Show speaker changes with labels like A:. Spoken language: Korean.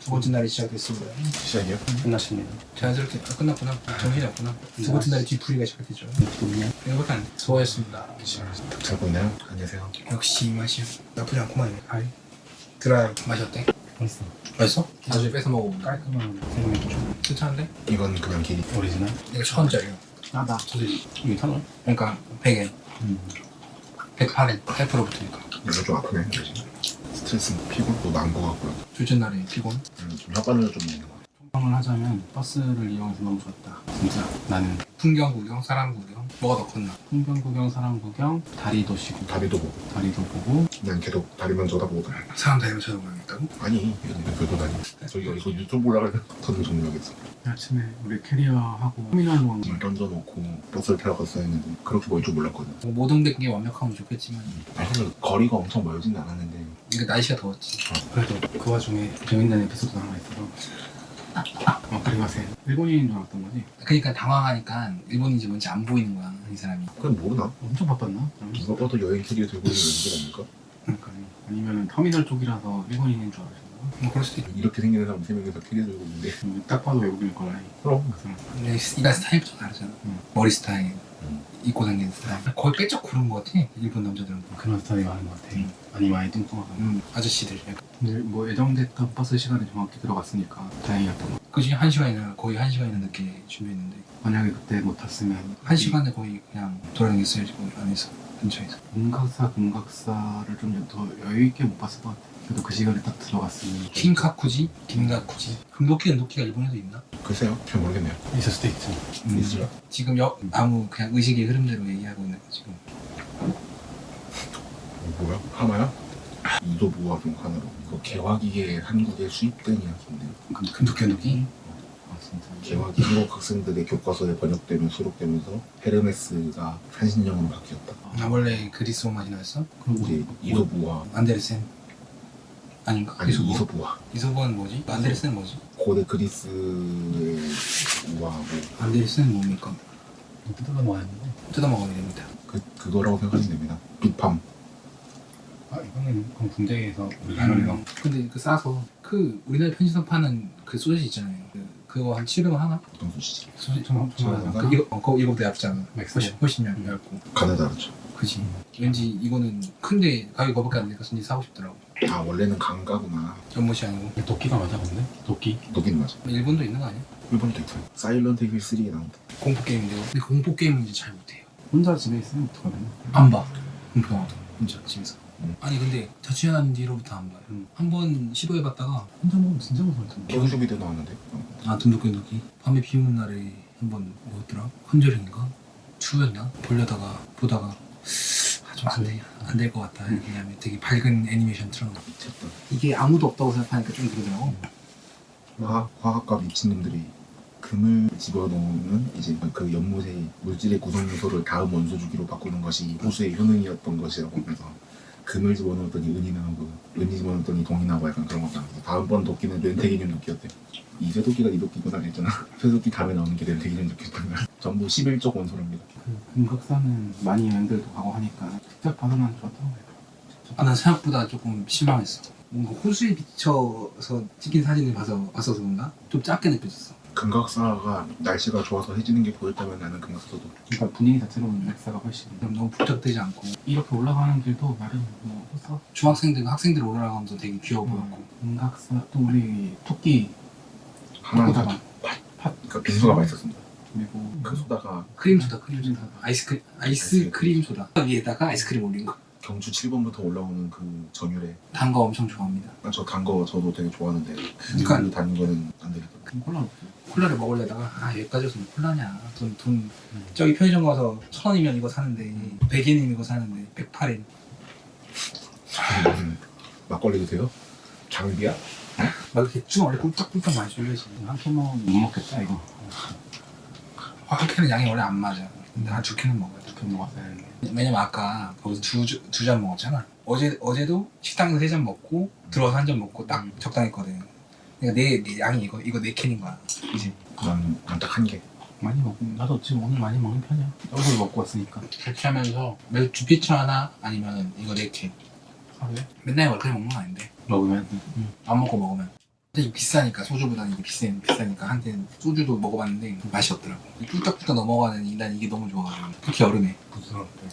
A: 두 번째 날이 시작됐습니다.
B: 시작이요?
C: 끝났습니다.
A: 자연스럽게 끝났구나. 정신이 없구나. 두 번째 날이 뒤풀이가 시작됐죠.
C: 그냥
A: 이거밖에 안 돼. 수고하셨습니다.
B: 잘 보이나요? 안녕하세요.
A: 역시 이 맛이야. 나쁘지 않구만. 아이. 드라이. 맛이 어때?
C: 맛있어.
A: 맛있어? 나중에 뺏어 먹어보면
C: 깔끔한 생맥주.
A: 괜찮은데?
B: 이건 그냥 길이.
C: 오리지널.
A: 이거 1,000원짜리야.
C: 나 소세지. 이게 1,000원?
A: 그러니까 100엔. 108엔. 8%부터니까.
B: 이거 좀 아프네. 스트레스, 피곤도 나은 것 같고요.
A: 둘째 날에 피곤.
B: 좀 혓바늘 좀 있는 것 같아요.
C: 평을 하자면 버스를 이용해서 너무 좋았다. 진짜 나는
A: 풍경 구경, 사람 구경. 뭐가 더 컸나?
C: 풍경 구경, 사람 구경, 다리도 쉬고
B: 다리도 보고.
C: 다리도 보고
B: 난 계속 다리만 쳐다보고 다녀.
A: 사람 다니면 쳐다보겠다고?
B: 아니, 이건 별도 다니. 저기 이거 유튜브 올라가면 더는 종료하겠어.
C: 아침에 우리 캐리어하고 터미널로 간
B: 물 던져놓고 버스를 타러 갔어야 했는데 그렇게 멀 줄 몰랐거든.
A: 뭐 모든 게 완벽하면 좋겠지만
B: 사실 거리가 엄청 멀진 않았는데
A: 이게 날씨가 더웠지.
C: 그래도 그 와중에 재밌는 에피소드가 하나 있어서 그리마세 일본인인 줄 알았던 거지?
A: 그러니까 당황하니까 일본인지 뭔지 안 보이는 거야 이 사람이.
B: 그건 모르나?
C: 엄청 바빴나?
B: 누가 봐도 여행 캐리어 들고 있는 연기가 아닐까?
C: 그러니까 아니면 터미널 쪽이라서 일본인인 줄 알았나?
A: 뭐 그럴 수도 있고.
B: 이렇게 생긴 사람 3명이서 캐리어 들고 있는데
C: 딱 봐도 외국인일 거라.
B: 그럼
A: 근데 이가 스타일이 좀 다르잖아. 머리 스타일, 입고 다니는 스타일. 거의 빼쩍 고른 거 같아 일본 남자들은.
C: 그런 스타일이 많은 것 같아. 많이 많이 뚱뚱하고.
A: 아저씨들. 약간.
C: 근데 뭐 예정됐던 버스 시간에 정확히 들어갔으니까 다행이었던 거.
A: 그지 1시간이나 거의 1시간이나 늦게 준비했는데
C: 만약에 그때 못 탔으면
A: 1시간에 거의 그냥 돌아다녔어야지 거기 안에서 근처에서.
C: 금각사를 좀 더 여유 있게 못 봤을 것 같아. 그래도 그 시간에 딱 들어갔으면
A: 킹카쿠지? 김가쿠지? 금도끼가 일본에도 있나?
B: 글쎄요, 잘 모르겠네요.
C: 있을 수도 있지.
B: 있을라?
A: 지금 아무 그냥 의식의 흐름대로 얘기하고 있는 거 지금.
B: 뭐야? 하마야? 이도부화 중 하나로 이거 개화기에 한국에 수입된 이야기인데
A: 금도끼?
C: 아 진짜.
B: 개화기 한국 학생들의 교과서에 번역되면 수록되면서 헤르메스가 한신령으로 바뀌었다.
A: 아 원래 그리스 로마지 나왔어?
C: 그럼
B: 이제 이도부화
A: 안데르센 아닌가?
B: 아니 이소부화
A: 이소부는 뭐지? 안데르센은 뭐지?
B: 고대 그리스의 우화하고
A: 안데르센은 뭡니까?
C: 뜯어가 먹었는데.
A: 뜯어먹어야 됩니다.
B: 그거라고 생각하시면 됩니다. 빅팜
C: 아 이거는 그럼 군대에서 우리 나눠서
A: 근데 그 싸서 그 우리나라 편의점 파는 그 소시지 있잖아요. 그거 한 700원 하나?
B: 어떤 소시지?
A: 소시지
C: 좀
B: 좀
A: 그거 이거보다 얇잖아.
C: 맥스.
A: 훨씬 얇고.
B: 가느다르죠.
A: 그지. 왠지 이거는 큰데 가격이 그거밖에 안 되니까 손이 사고 싶더라고.
B: 아 원래는 강가구나.
A: 연못이 아니고.
C: 도끼가 맞아 근데? 도끼?
B: 녹이는 맞아.
A: 일본도 있는 거 아니야?
B: 일본도 있어요. 사일런트 힐 3에 나온다.
A: 공포 게임인데요. 근데 공포 게임은 이제 잘 못해요.
C: 혼자 집에 있으면 어떡하냐?
A: 안 봐. 공포 영화도 혼자 집에서.
B: 음.
A: 아니 근데 자취한 뒤로부터 안 봐요. 한 번 시도해봤다가
C: 혼자 먹으면 진짜 무서울 텐데.
B: 개구쇼비도 나왔는데.
A: 둠도끼 밤에 비 오는 날에 한 번 뭐였더라? 컨저링인가? 추였나? 보려다가 보다가 좀 안 될 것 같다. 왜냐면 되게 밝은 애니메이션 틀어놓고
B: 미쳤다.
A: 이게 아무도 없다고 생각하니까 좀 그러더라고.
B: 화학과 미친놈들이 금을 집어넣는 이제 그 연못의 물질의 구성 요소를 다음 원소 주기로 바꾸는 것이 호수의 효능이었던 것이라고 하면서 금을 집어넣었더니 은이 나오고 은이 집어넣었더니 동이 나오고 약간 그런 것도 하면서 다음번 도끼는 렌테기늄 도끼였대. 이 쇠도끼가 이 도끼구나 했잖아. 쇠도끼 다음에 나오는 게 렌테기늄 도끼였구나. 전부 11쪽 원소랍니다.
C: 금각사는 많이 여행들도 가고 하니까 직접 봐서 난 좋았던 거예요.
A: 난 생각보다 조금 실망했어. 뭔가 호수에 비쳐서 찍힌 사진을 봤어서 그런가? 좀 작게 느껴졌어.
B: 금각사가 날씨가 좋아서 해지는 게 보였다면 나는 금각사도
C: 그러니까 분위기 자체로는 맥사가 훨씬
A: 그럼 너무 북적대지 않고
C: 이렇게 올라가는 길도 나름 뭐 호사
A: 중학생들 학생들 올라가면서 되게 귀여워 보였고.
C: 금각사 또 우리 토끼
B: 하나
C: 토끼
B: 사줘.
C: 팥
B: 그러니까 빙수가 맛있었습니다.
C: 그리고
B: 그 소다가
A: 크림 소다. 아이스크림 소다. 위에다가 아이스크림 올린 거.
B: 경주 7번부터 올라오는 그 전율에
A: 단 거 엄청 좋아합니다.
B: 저 단 거 저도 되게 좋아하는데
A: 그러니까-
B: 그 단 거는 안 되겠더라고요.
C: 콜라 없어.
A: 콜라를 먹으려다가 여기까지 와서 콜라냐. 돈 저기 편의점 가서 1,000원이면 이거 사는데 100엔이면 이거 사는데 108엔.
B: 막걸리도 돼요? 장비야?
A: 막 이렇게 쭉 원래 꿀떡꿀떡 많이 쏠려지.
C: 한 캔만 못 먹겠다 이거.
A: 한 캔은 양이 원래 안 맞아. 근데 한 2캔은 먹어야 돼.
C: 이렇게 먹었어야 했는데.
A: 왜냐면 아까 거기서 두 잔 먹었잖아. 어제도 식당에서 3잔 먹고 들어와서 한 잔 먹고 딱 적당했거든. 그러니까 내 양이 이거 4캔인 거야. 이제
B: 난 딱 한 개.
C: 많이 먹고 나도 지금 오늘 많이 먹는 편이야. 얼굴 먹고 왔으니까.
A: 자취하면서 매주 피처 하나 아니면 이거 4캔.
C: 하루에
A: 맨날 그렇게 먹는 건 아닌데
C: 먹으면
A: 안 먹고 먹으면 근데 비싸니까 소주보다는 이게 비싸니까 한때는 소주도 먹어봤는데 맛이 없더라고. 뚝딱뚝딱 넘어가는 난 이게 너무 좋아가지고 특히 여름에
C: 부드럽고